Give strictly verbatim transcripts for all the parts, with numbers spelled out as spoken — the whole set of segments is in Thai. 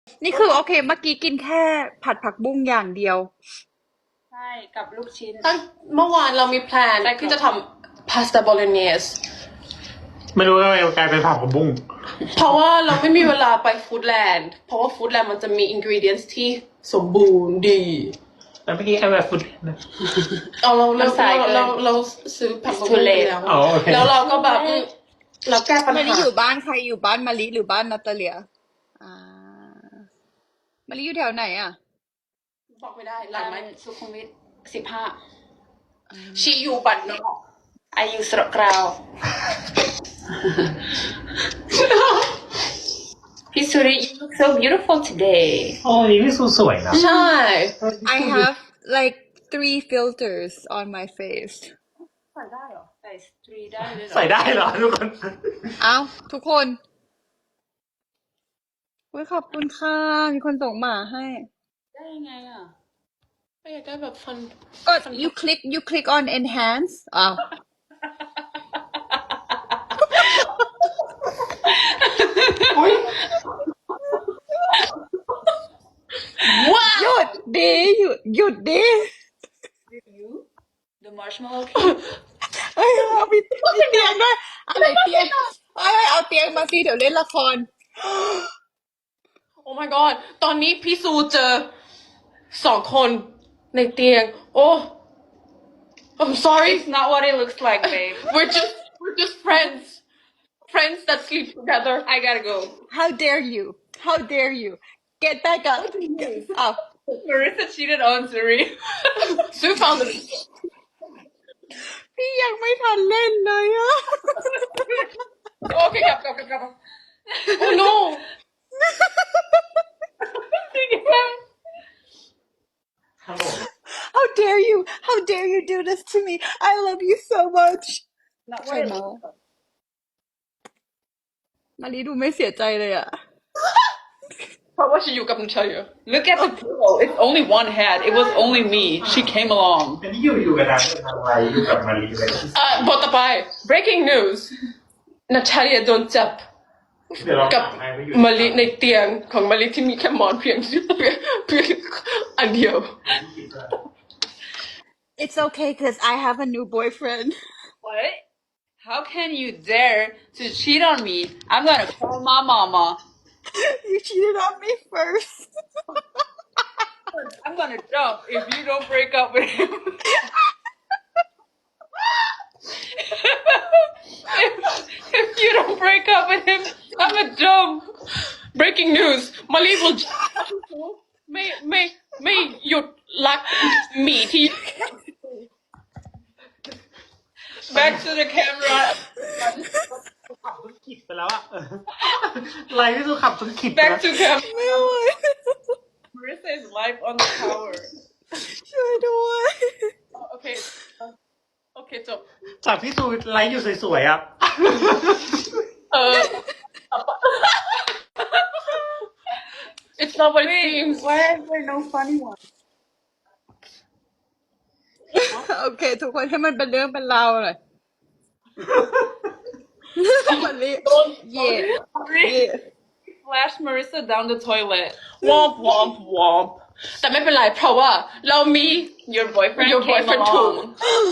นี่คือโอเคเมื่อกี้กินแค่ผัดผักบุ้งอย่างเดียวใช่กับลูกชิ้นตั้งเมื่อวานเรามีแพลนที่จะทำพาสต้าโบโลเนสไม่รู้ว่าทำไมกลายเป็นผักผักบุ้งเพราะว่าเราไม่มีเวลาไปฟู้ดแลนด์เพราะว่าฟู้ดแลนด์มันจะมีอินกรีเดียนส์ที่สมบูรณ์ดีแล้วเมื่อกี้ใครแบบฟุตนะเอาเราเราเราเราเราซื้อผักบุ้งไปแล้วแล้วเราก็แบบเราแก้ปัญหามาลิอยู่บ้านใครอยู่บ้านมาลิหรือบ้านนาตาเลียอ่ามาลิอยู่แถวไหนอ่ะบอกไม่ได้หลังไหมสุขุมวิทสิบห้าชีอยู่บัตรนอกอายุสระกราวพี่สุริ you look so beautiful today โอ้ยพี่สูสวยนะใช่ I have like three filters on my face ใส่ได้เหรอใส่สตรีได้เลยเหรอใส่ได้เหรอทุกคนเอ้าทุกคนอุ้ยขอบคุณค่ะมีคนส่งหมาให้ได้ยังไงอ่ะไม่อยากได้แบบฟันก็ you click you click on enhance อ้าวว้าหยุดดิหยุดหยุดดิ review the marshmallow เอ้ยเอามีมีเตียงด้วยอะไรเตียงเอ้ยเอาเตียงมาสิเดี๋ยวเล่นละครโอ้ my god ตอนนี้พี่ซูเจอสองคนในเตียงโอ้ I'm sorry it's not what it looks like babe we're just we're just friends friends that sleep together I gotta go How dare you How dare you Get back up อ้าว Marissa cheated on Suri ซื้อฟังเลยพี่ยังไม่ทันเล่นเลยอะโอเคกลับกลับกลับกลับ Oh no How dare you How dare you do this to me I love you so much not ใช่ what it ไหม looks like มารีดูไม่เสียใจเลยอะเพราะว่าฉันอยู่กับนันชัย look at the pillow it's only one head it was only me she came along อันนี้อยู่อยู่กับนางทำอะไรอยู่กับมารีเลยอ่ะบทต่อไป breaking news นาตาเลียโดนจับกับมะลิในเตียงของมะลิที่มีแค่หมอนเพียงเพียงเพียงอันเดียว It's okay because I have a new boyfriend what how can you dare to cheat on me I'm gonna call my mama You cheated on me first I'm gonna jump if you don't break up with him if, if you don't break up with him I'm gonna jump breaking news มะลิ will ไม่ไม่ไม่หยุดรักหมีที่ back to the camera ขับจนขิดไปแล้วอะไลฟ์ที่สุดขับจนขิด back to camera ไม่ไหว Marissa is live on the tower ช่วยด้วยโอเคโอเคจบจากพี่ซูไลฟ์อยู่สวยๆอะเออ it's not what it seems why is there no funny one โอเคทุกคนให้มันเป็นเรื่องเป็นราวหน่อยมารีเย่เย่ flash Marissa down the toilet womp womp womp แต่ไม่เป็นไรเพราะว่าเรามี your boyfriend your came boyfriend along too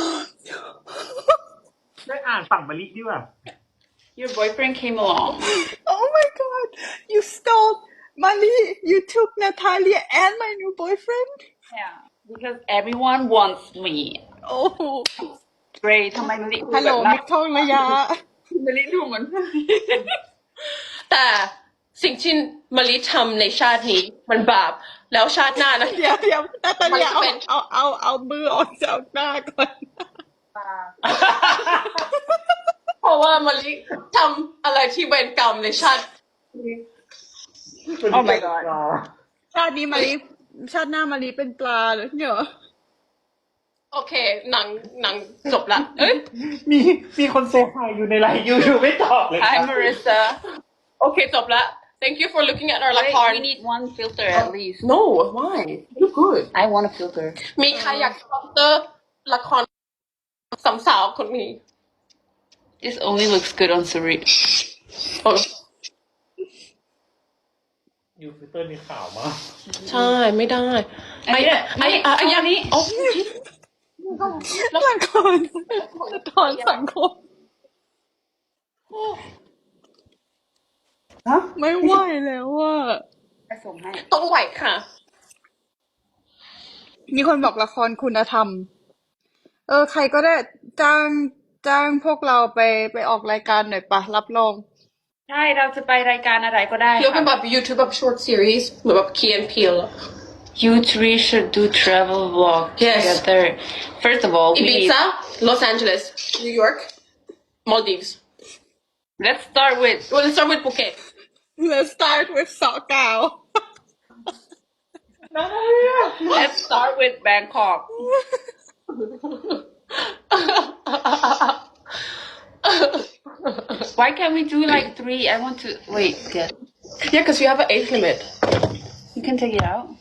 ได้อ่านฝั่งมารีดีกว่า your boyfriend came along Oh my god you stole Mali you took Natalia and my new boyfriend yeah because everyone wants me Oh great ทำไมมะลิฮัลโหลมิกทองระยะมะลิดูเหมือนแต่สิ่งที่มะลิทำในชาตินี้มันบาปแล้วชาติหน้านะเดี๋ยวเดี๋ยวนาตาเลียเอามันเป็นเอาเอาเอามือออกจากหน้าก่อนเพราะว่ามะลิทำอะไรที่เวรกรรมในชาติ Oh my god ชาตินี้มารีชาติหน้ามารีเป็นปลาเลยเนี่ยเหรอโอเคหนังหนังจบละเอ้ยมีมีคนเซฟไฮอยู่ในไลฟ์ยูทูบไม่ตอบเลย Hi Marissa โอเคจบละ thank you for looking at our ละ Wait, คร we need one filter at least no why you good I want a filter มีใครอยากสปอนเซอร์ละครสามสาวคนนี้ this only looks good on Suri โอ้ยูฟิลเตอร์นี่ขาวมากใช่ไม่ได้อันนี้แหละไอ้นี่ไอ้ไอ้อันนี้โอ้ละครละครสังคมฮะไม่ไหวแล้วว่าไปส่งให้ต้องไหวค่ะมีคนบอกละครคุณธรรม เออ ใครก็ได้จ้างจ้างพวกเราไปไปออกรายการหน่อยปะรับรองใช่เราจะไปรายการอะไรก็ได้เรียกเป็นค่ะแบบ YouTube แบบ short series เหมือนแบบ Key and Peele อะ You three should do travel vlog Yes. together. First of all, we need, Ibiza Los Angeles New York Maldives let's start with well let's start with Phuket Let's start with เสาะกาว let's start with Bangkok. Why can't we do like three? I want to wait. Get yeah because you have an age limit you can take it out.